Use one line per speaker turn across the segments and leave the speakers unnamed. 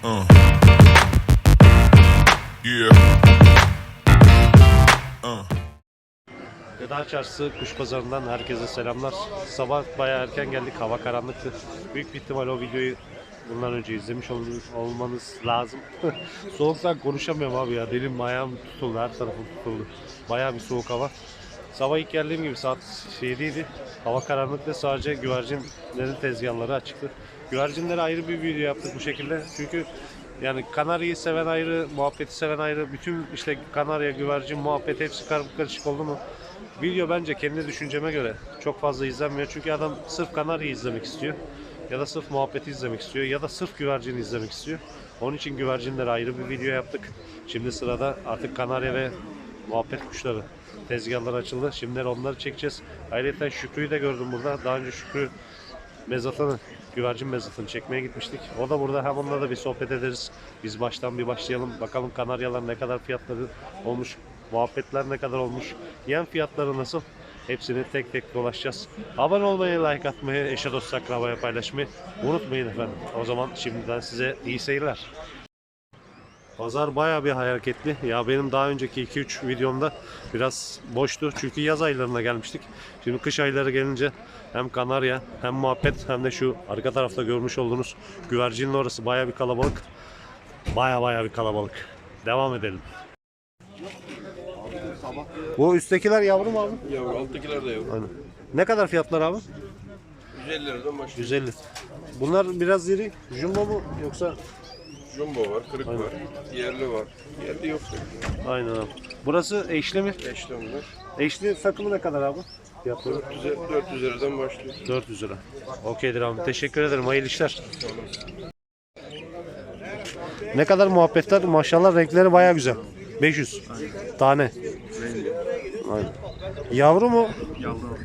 Gıda Çarşısı Kuş Pazarı'ndan herkese selamlar. Sabah bayağı erken geldik, hava karanlıktı. Büyük bir ihtimal o videoyu bundan önce izlemiş olmanız lazım. Soğuktan konuşamıyorum abi ya, dilim ayağım tutuldu, her tarafım tutuldu. Bayağı bir soğuk hava. Sabah ilk geldiğim gibi saat 7'ydi. Hava karanlıktı, sadece güvercinlerin tezgahları açıktı. Güvercinlere ayrı bir video yaptık bu şekilde. Çünkü yani kanaryayı seven ayrı, muhabbeti seven ayrı. Bütün işte kanarya, güvercin, muhabbet hepsi karışık oldu mu? Video bence kendi düşünceme göre çok fazla izlenmiyor. Çünkü adam sırf kanaryayı izlemek istiyor. Ya da sırf muhabbeti izlemek istiyor. Ya da sırf güvercini izlemek istiyor. Onun için güvercinlere ayrı bir video yaptık. Şimdi sırada artık kanarya ve muhabbet kuşları tezgahlar açıldı. Şimdi onları çekeceğiz. Ayrıca Şükrü'yü de gördüm burada. Daha önce Şükrü mezatını, güvercin mezatını çekmeye gitmiştik. O da burada, hem onunla da bir sohbet ederiz. Biz baştan bir başlayalım. Bakalım kanaryalar ne kadar fiyatları olmuş, muhabbetler ne kadar olmuş, yem fiyatları nasıl? Hepsini tek tek dolaşacağız. Abone olmayı, like atmayı, eşe dost akrabaya paylaşmayı unutmayın efendim. O zaman şimdiden size iyi seyirler. Pazar bayağı bir hareketli. Ya benim daha önceki 2-3 videomda biraz boştu. Çünkü yaz aylarına gelmiştik. Şimdi kış ayları gelince hem kanarya hem muhabbet hem de şu arka tarafta görmüş olduğunuz güvercinin orası bayağı bir kalabalık. Bayağı bir kalabalık. Devam edelim. Bu üsttekiler yavru mu abi?
Yavru, alttakiler de yavru.
Aynen. Ne kadar fiyatlar abi?
150 liradan başlıyor.
150. Bunlar biraz iri. Jumbo mu yoksa?
Jumbo var, kırık
Aynen.
var, yerli var. Yerli yok.
Aynen abi. Burası eşli mi?
Eşli onlar.
Eşli takımı ne kadar abi? Fiyatları?
400 liradan başlıyor.
400 lira. Okeydir abi. Teşekkür ederim. Hayırlı işler. Ne kadar muhabbetler. Maşallah renkleri baya güzel. 500 tane. Aynen. Yavru mu?
Yavru.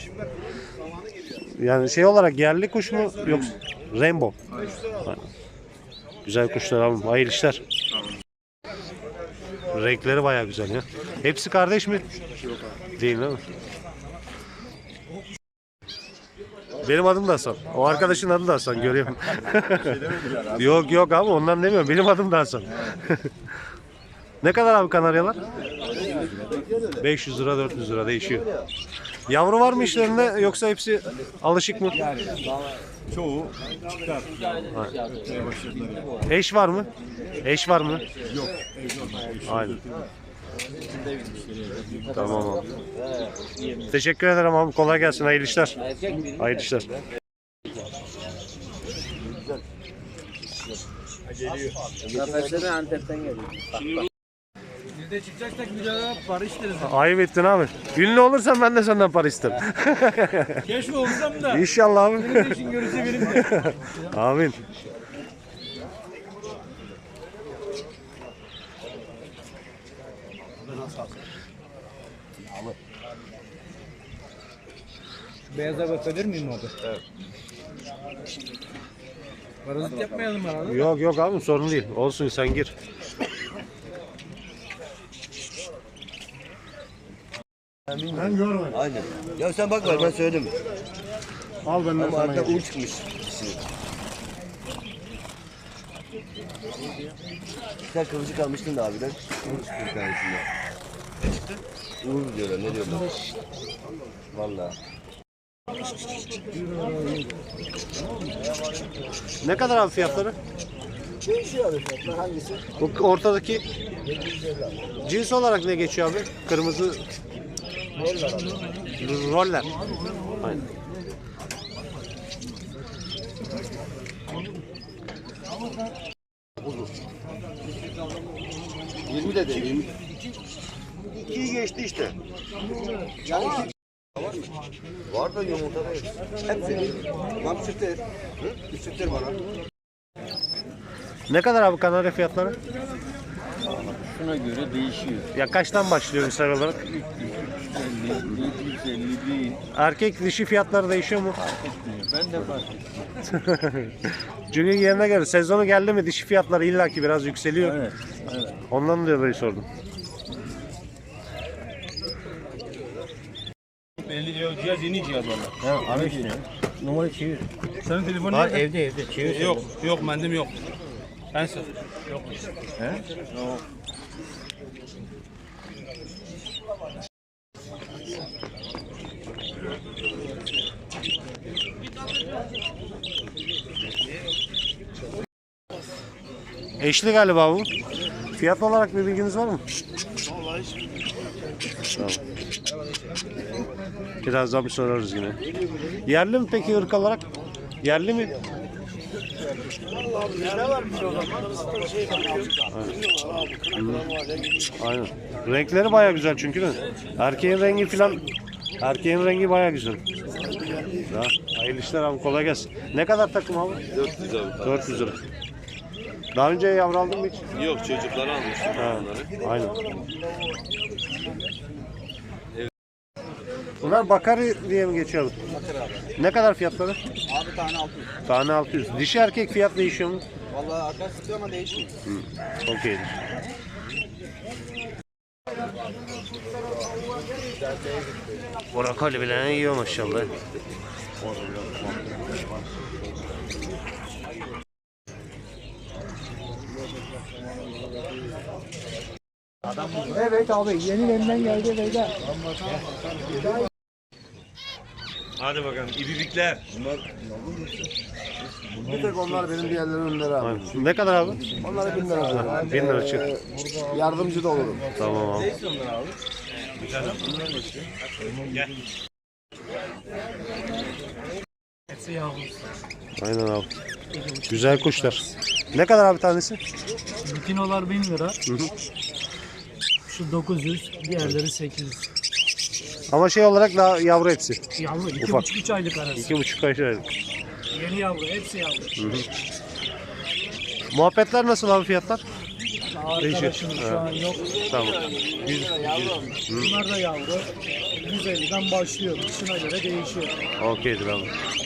Yani şey olarak yerli kuş mu yoksa rainbow? Aynen. Güzel kuşlar abi. Hayırlı işler. Renkleri baya güzel ya. Hepsi kardeş mi? Değil mi? Benim adım da Hasan. O arkadaşın adı da Hasan, görüyorum. Yok abi, ondan demiyorum. Benim adım da Hasan. Ne kadar abi kanaryalar? 500 lira 400 lira değişiyor. Yavru var mı işlerinde yoksa hepsi alışık mı?
Çoğu çıkar.
Eş var mı? Eş var mı?
Yok.
Aynen. Tamam abi. Teşekkür ederim abi. Kolay gelsin. Hayırlı işler. Hayırlı işler.
Kafesleri Antep'ten geliyor.
Bir de çıkacaksak bir daha para isteriz.
Ayıp ettin abi. Ünlü olursan ben de senden para isterim.
Keşke olsam da.
İnşallah abi.
Benim de işin görürse benim de.
Amin.
Beyaza bakabilir miyim abi? Evet. Parazit yapmayalım herhalde.
Yok abi, sorun değil. Olsun, sen gir.
Ben görmedim.
Aynen. Ya sen bakma ben söyledim.
Al benden
Ama
sana.
arada un çıkmış. Sen kıvırcık almıştın da abiden. Un çıktı bir tanesinde. Ne çıktı? Uğur diyorlar, ne diyorlar? Vallahi.
Ne kadar abi fiyatları?
Değişiyor abi fiyatlar, hangisi?
Bu ortadaki cins olarak ne geçiyor abi? Kırmızı roller. Aynen.
De 20. 2'yi geçti işte. Yani var da yumurta da yok. Hepsi. Var sütler. Bir sütler var abi.
Ne kadar abi kanarya fiyatları?
Şuna göre değişiyor.
Ya kaçtan başlıyor misal olarak?
750 değil.
Erkek dişi fiyatları değişiyor mu?
Ben de fark ettim.
Çünkü yerine göre sezonu geldi mi dişi fiyatları illaki biraz yükseliyor.
Evet.
Ondan dolayı sordum.
50 lira cihaz, yeni cihaz valla.
Ha, abi işte. Numara çevir.
Senin telefonun
Var
nerede?
evde çevir.
Yok, mendim yok. Ben sor. Yok. He? Yok.
Eşli galiba bu. Fiyat olarak bir bilginiz var mı? Tamam. Birazdan bir sorarız yine. Yerli mi peki ırk olarak? Yerli mi? Aynen. Renkleri baya güzel çünkü de. Erkeğin rengi filan. Erkeğin rengi baya güzel. Ya, hayırlı işler abi, kolay gelsin. Ne kadar takım abi?
400 abi.
400 lira. Daha önce yavru aldın mı hiç?
Yok, çocuklara almıştım
Ha,
onları.
aynen. Bunlar bakari diye mi geçiyor?
Bakır abi.
Ne kadar fiyatları?
Abi tane 600.
Tane 600. Dişi erkek fiyat değişiyor mu?
Vallahi arkadaş sıkıyor ama değişmiyor.
Okeydir. Brokoli bile yiyor maşallah.
Evet abi yeni elimden geldi beyler.
Hadi bakalım ibibikler.
Bir tek onlar benim diğerleri önleri abi.
Aynen. Ne kadar abi?
Onlara 1000 lira veriyorum.
1000 lira çık.
Yardımcı da olurum.
Tamam abi.
Hepsi yavru.
Aynen abi. Güzel kuşlar. Ne kadar abi tanesi?
Bikinolar 1000 lira.
Hı hı.
Şu 900, diğerleri 800.
Ama şey olarak daha yavru hepsi.
Yavru
Ufak.
2,5-3 aylık arası.
2,5 ay şey.
Yeni yavru, hepsi yavru.
Muhabbetler nasıl abi, fiyatlar?
Arkadaşım şu an yok.
Tamam.
Bunlar da yavru. 150'den başlıyor. Kışına göre değişiyor.
Okeydir abi.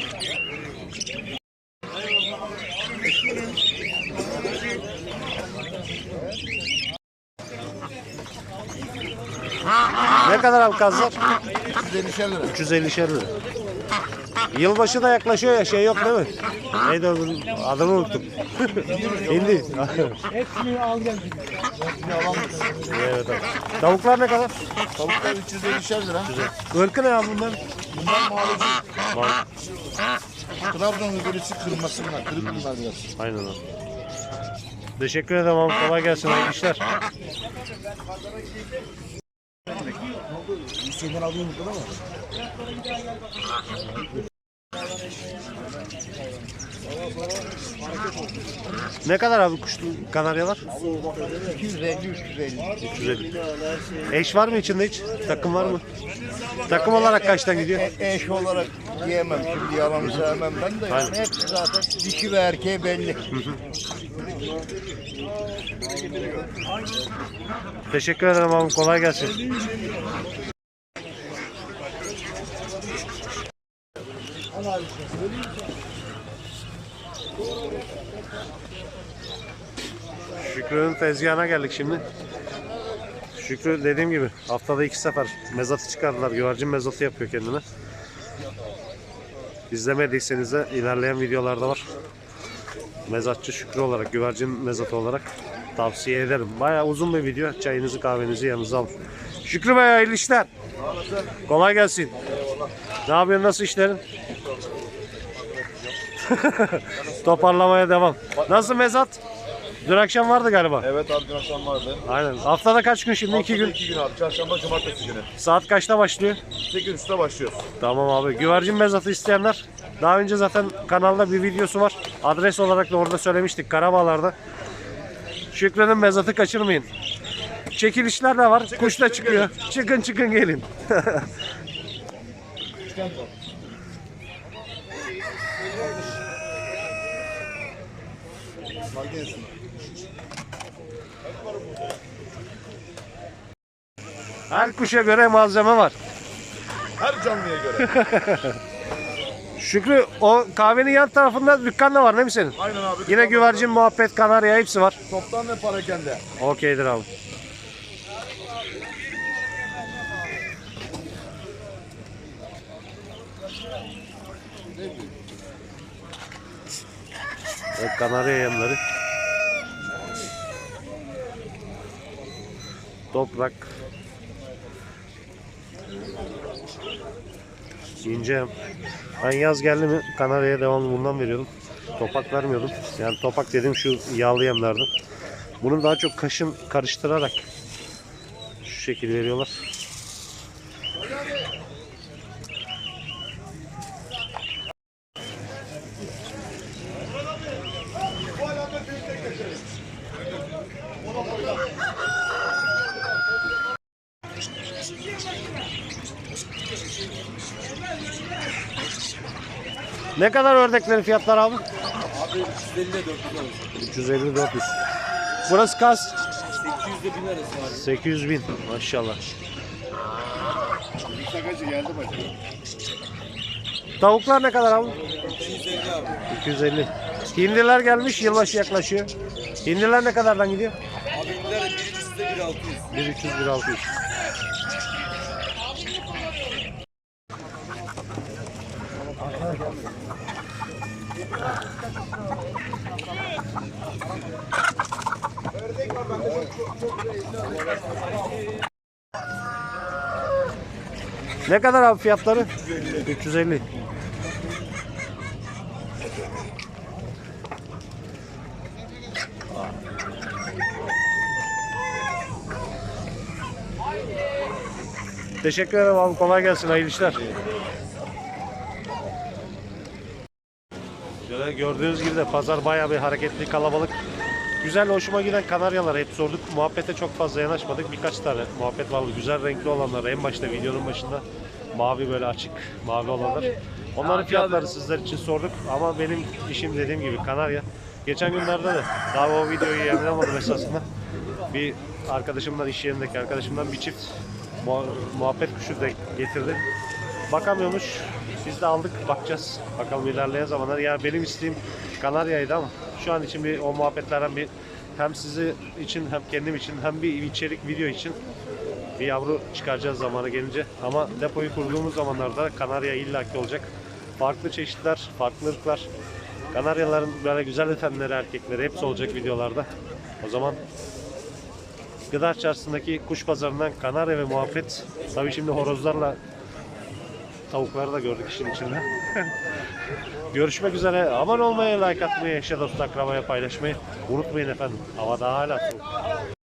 Ne kadar abi kazlar?
150 lira.
350'şer lira. Yılbaşı da yaklaşıyor ya, şey yok değil mi? Neydi onun adını unuttum. Hindi.
Hepsini al gel.
Evet abi. Tavuklar ne kadar?
Tavuklar 350 lira.
Irkı ne abi bunlar?
Bunlar malıcı.
Var.
Trabzon öbürüsü kırması bunlar. Kırık bunlar biraz.
Aynen abi. Teşekkür ederim abi. Kolay gelsin. Hayırlı işler.
Şeyden alayım burada ama.
Ne kadar abi kuşlu kanaryalar?
250-350.
350. Eş var mı içinde hiç? Takım var mı? Takım olarak kaçtan gidiyor?
Eş olarak diyemem. Şimdi yalan söylemem ben de.
Aynen.
Yani hepsi zaten dişi ve erkeği belli.
Teşekkür ederim abi. Kolay gelsin. Şükrü'nün tezgahına geldik şimdi. Şükrü dediğim gibi haftada 2 sefer mezatı çıkardılar. Güvercin mezatı yapıyor kendine. İzlemediyseniz de ilerleyen videolarda var. Mezatçı Şükrü olarak, güvercin mezatı olarak tavsiye ederim. Bayağı uzun bir video. Çayınızı kahvenizi yanınıza alın. Şükrü Bey, hayırlı işler. Kolay gelsin. Ne yapıyorsun? Nasıl işlerin? Toparlamaya devam. Nasıl mezat? Dün akşam vardı galiba.
Evet abi, dün akşam vardı.
Aynen. Haftada kaç gün şimdi? 2 gün.
2 gün abi. Çarşamba, cumartesi günü.
Saat kaçta başlıyor?
8.30'da başlıyoruz.
Tamam abi. Güvercin mezatı isteyenler, daha önce zaten kanalda bir videosu var. Adres olarak da orada söylemiştik, Karabağlar'da. Şükrü'nün mezatı kaçırmayın. Çekilişler de var. Kuş da çıkıyor. Çıkın çıkın gelin. Her kuşa göre malzeme var.
Her canlıya göre.
Şükrü, o kahvenin yan tarafında dükkan da var değil mi senin?
Aynen abi.
Yine güvercin, muhabbet, kanarya hepsi var.
Toptan ve parakende.
Okeydir abi. Evet, kanarya yemleri. Toprak. İnce. Ben yaz geldi mi Kanarya'ya devamlı bundan veriyordum. Topak vermiyordum. Yani topak dediğim şu yağlı yemlerden. Bunu daha çok kaşın karıştırarak şu şekil veriyorlar. Ne kadar ördeklerin fiyatları abi?
Abi 350 ile 400 arası.
350-400. Burası kaç?
800 ile 1000 arası abi.
800 bin maşallah.
Sakacı geldi bacım.
Tavuklar ne kadar abi?
250 abi.
250. Hindiler gelmiş, yılbaşı yaklaşıyor. Hindiler ne kadardan gidiyor?
Abi indiler birincisi de 1600.
1300, 1600. Ne kadar abi fiyatları? 350. Teşekkür ederim abi. Kolay gelsin. Hayırlı işler. Şöyle gördüğünüz gibi de pazar bayağı bir hareketli, kalabalık. Güzel, hoşuma giden kanaryalar hep sorduk. Muhabbete çok fazla yanaşmadık. Birkaç tane muhabbet vardı. Güzel renkli olanlar. En başta videonun başında mavi, böyle açık mavi olanlar. Onların fiyatları sizler için sorduk. Ama benim işim dediğim gibi kanarya. Geçen günlerde de daha o videoyu yayınlamadım esasında. Bir arkadaşımdan, iş yerindeki arkadaşımdan bir çift muhabbet kuşu da getirdi. Bakamıyormuş. Biz de aldık, bakacağız. Bakalım ilerleyen zamanlar. Yani benim isteğim kanaryaydı ama şu an için bir o muhabbetlerden bir hem sizi için hem kendim için hem bir içerik video için bir yavru çıkaracağız zamanı gelince. Ama depoyu kurduğumuz zamanlarda kanarya illaki olacak. Farklı çeşitler, farklı ırklar. Kanaryaların böyle güzel efendileri, erkekleri hepsi olacak videolarda. O zaman Gıda Çarşısı'ndaki kuş pazarından kanarya ve muhabbet. Tabii şimdi horozlarla tavukları da gördük işin içinde. Görüşmek üzere. Abone olmayı, like atmayı, eşe dost akrabaya paylaşmayı unutmayın efendim. Hava daha hala soğuk.